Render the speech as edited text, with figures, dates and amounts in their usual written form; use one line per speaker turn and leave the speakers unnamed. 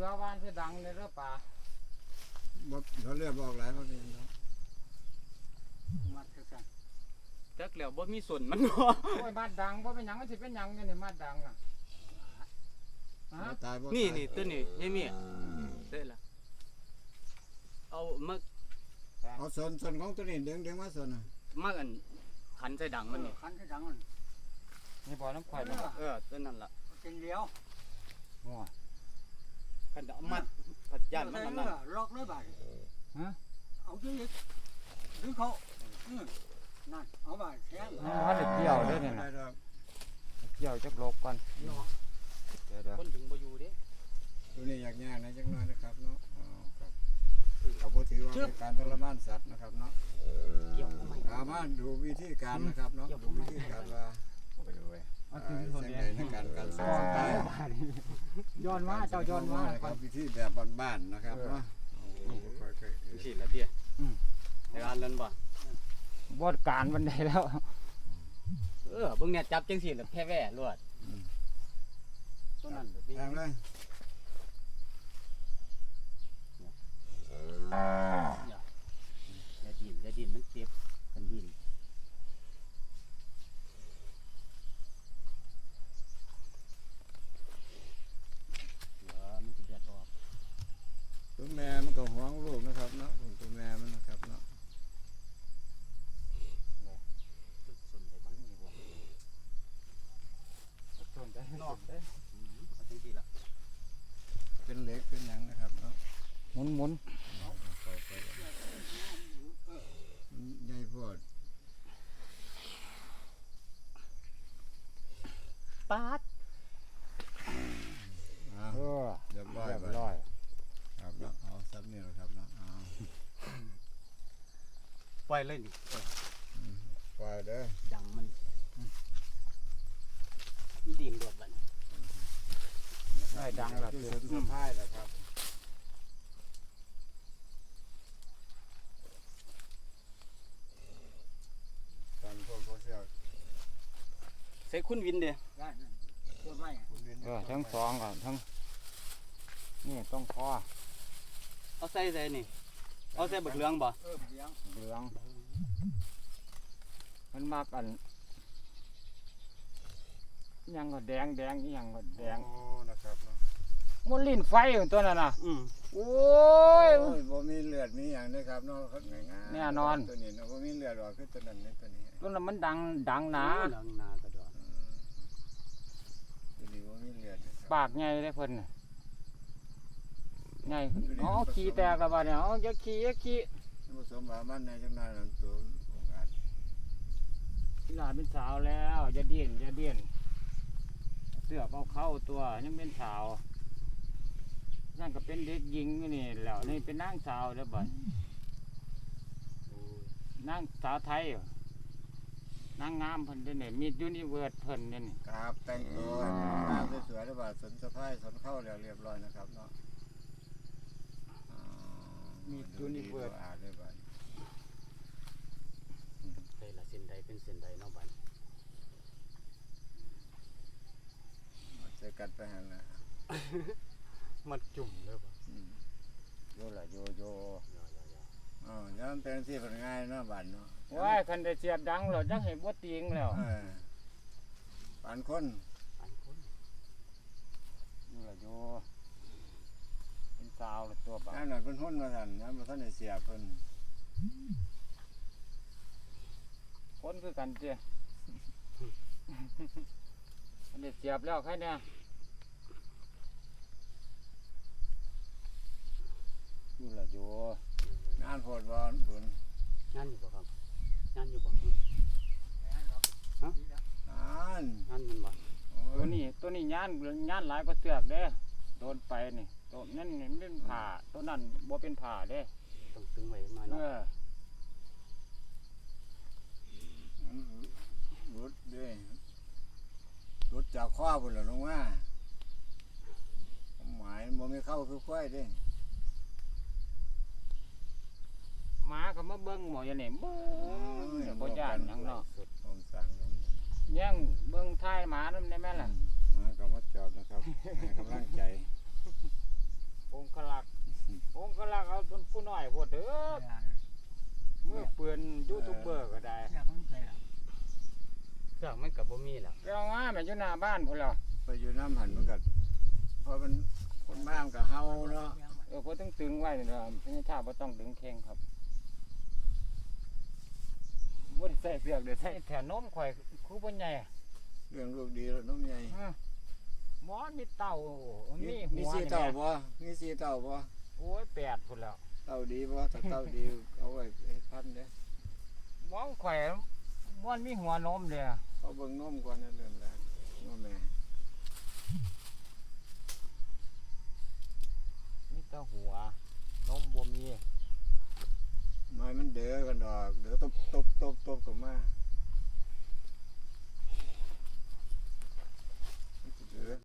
อวานจะดังเลยเด้อป่า
บ่เขาเรียกบอกหลายเขาเรียนเนาะ
มัดคือกัน
จักแล้วบ่มีส่วนมันบ่
โอ้ยมัดดังบ่เป็นหยังมันสิเป็นหยังเนี่ยนี่มัดดังอ่ะฮะ
ตายบ่
นี่
ตาย
นี่ตัวนี้ยายเมียได้ละเอามา
เอาส่วนของตัวนี้ดึงมาส่วนน่ะ
มาอันขันใส่ดังมันนี่
คันที่ดังมันนี่บ่น้ำข่อยบ่
ตัวนั้นล่ะ
จริงเดียวโอ้
ขันเอามัดผัดย่านมันนั่นน่ะ
ล็อกเลยบ่ฮะเอาดิดึงเขานั่นเอาบ่แข็งมันเกี่ยวเด้อเนี่ย
ได้ดอก
เกี่ยวจักลบก่อนเดี๋ยว
คนถึงบ่อยู่เด้
ตัวนี้ยากๆนะจักหน่อยนะครับเนาะอ๋อครับเขาบ่ถือว่าเป็นการทรมานสัตว์นะครับเนาะ
เกี่ยวเข้ามา
เอามาดูวิธีการนะครับเนาะดูวิธีการว่าเสียงใดในการสอนได้
ย้อนมาเจ้าย้อนมา
ครับวิธีแบบบ้านๆนะครับเนาะ
สิละเตี้ยในการเล่นบ่
บดการวันใดแล้ว
เบิ่งเนี่ยจับจังซี่แล้วแพ้แว่รวดตัวนั้นเด้อ
แทงเลย
อย่าดินมันเจ็บกันดินมันสิเดือดออก
ตัวแม่มันก็ห่วงลูกนะครับเนาะตัวแม่มันนะครับเนาะ
ส่วนใดบ้างนี่บ่
ส่วนได้
นอกเอาจังซี่ล่ะ
เป็นเหล็กเป็นหยังนะครับเนาะ
หมุน
ใหญ่โพด
ปาด
เออ
เรียบร้อย
เรียบ
ไป
ร้อย
ครับเนาะเอาซับนี่แหละครับเนาะเอา
ปล่อยเลยนี่
ปล่อยเด้อ
ดังมันดินรวดบัดนี้
ได้ดังแล้ว
คือสนสะพายนะครับตอนพวกเสี่ยว
ใส่คุณวินเด้
ได้ตัวไม่
คุณเรียน
ทั้งสองก่อนทั้งนี่ต้องคอ
เอาใส่นี่เอาใส่บักเหลืองบ่
เหลืองมันมากอันยังก็แดงยังก็แดง
โอ้นะครับเนาะ
มันลิ้นไฟอยู่ตัวนั้นน่ะ โอ้ย
โอ้ยบ่มีเลือดมีอย่างนะครับเนาะง่ายๆ
แน่นอน
ตัวนี้เนาะบ่มีเลือดออกคือตัวนั้นนี่ตัวนี้
ตัวนั้นมันดังหนา
หลังนากระดอน
ตัวนี้บ่มีเลือดนะครับ
ปากใหญ่เลยเพิ่นน่ะใหญ่อ๋อขี้แตกแล้วบัดเนี่ยอ๋ออย่าขี้
ผสมบามันในจังนั้นนั่นตัวองค์อาจ
หลานเป็นสาวแล้วอย่าเดี้ยนเสื้อเอาเข้าตัวยังเป็นสาวนั่นก็เป็นเด็กหญิงอยู่นี่แล้วนี่เป็นนางสาวแล้วบัดนางสาวไทยนางงามเพิ่นเด้อนี่มียูนิเวิร์สเพิ่นเด้อนี่
ครับแต่งตัวงามสวยๆแล้วบาดสนสะพายสนเข้าแล้วเรียบร้อยนะครับเนาะอาดเลยบาด
ใส่ละเส้นใดเป็นเส้นใดเนาะบัด
ใส่กัดไปหั่นน่ะ
มันจุ่มเด้อบ่
โยละโย
อ๋อย้อนเป็นที่ผลง่ายเนาะบาดเนาะ
ว้ายคันได้เสียบดังแล้วจังให้บ่ติงแล้ว
ปานคน
อันคน
โยละโยเป็นสาวแล้วตัวบ่า
นั่นน่ะเพิ่นหุ่นว่าซั่นย้อนบ่ทันได้เสียเพิ่น
คนคือกันเจ้อันนี้เสียบแล้วใครเนี่ยอยู่ละอยู่
งานโพดบ่บุญ
งานอยู่บ่ครับงานอยู่บ่
นั่น
งานมันบ่
ตัวนี้ย่านหลายก็เสือกเด้โดนไปนี่ตัวนั่นนี่มันเป็นผ่าตัวนั้นบ่เป็นผ่าเด้
ต้องตึงไว้มา
เอ
เนาะ
รุดเด้รุดจากข้อพุ่นล่ะลงมาหมายบ่มีเข้าคือควายเด้
หมาก็มาเบิ่งหมออย่างนี้เบิ่งบ่ย่านหยังเนาะ
ผมสั่งลง
แย่งเบิ่งท้ายหมานำได้แม่ล่ะ
มาก็มาจอบนะครับให้กำลังใจ
องคลักษ์เอาเป็นผู้น้อยโพดเด้อเมื่อเปือนยูทูบเบอร์ก็ได้
เครื่องมันก็บ่มีแล้ว
ไปเอามาแม่นอยู่หน้าบ้านพุ่นแล้ว
ไปอยู่น้ำหันมันก็เพราะมันคนบ้านกับเฮาเนาะ
เพิ่นต้องตึงไว้นี่ล่ะพญาชาบ่ต้องดึงแข้งครับบ่ได้ใส่เสือกเด้อใส่แถวนมข่อยคือบ่ใหญ่
เรื่องลูกดีแล้วน้องใหญ่
หมอมีเต่ามีหั
มี
ว
สี
นี่
เต่า
แม่
บ่มีสีเต่าบ่
โอ้ย8พุ่นแล้ว
เต่าดีบ่ถ้าเต่าดีเอาไว้ให้พันเด้อ
มองข่อยมันมีหัวนมเด้อ
เอาเบิ่งนมก่อนนั่นเรื่องแรกนมแม่
มีแต่หัวนมบ่มี
ไม้มันเด้อกันดอกเด้อตบกับมา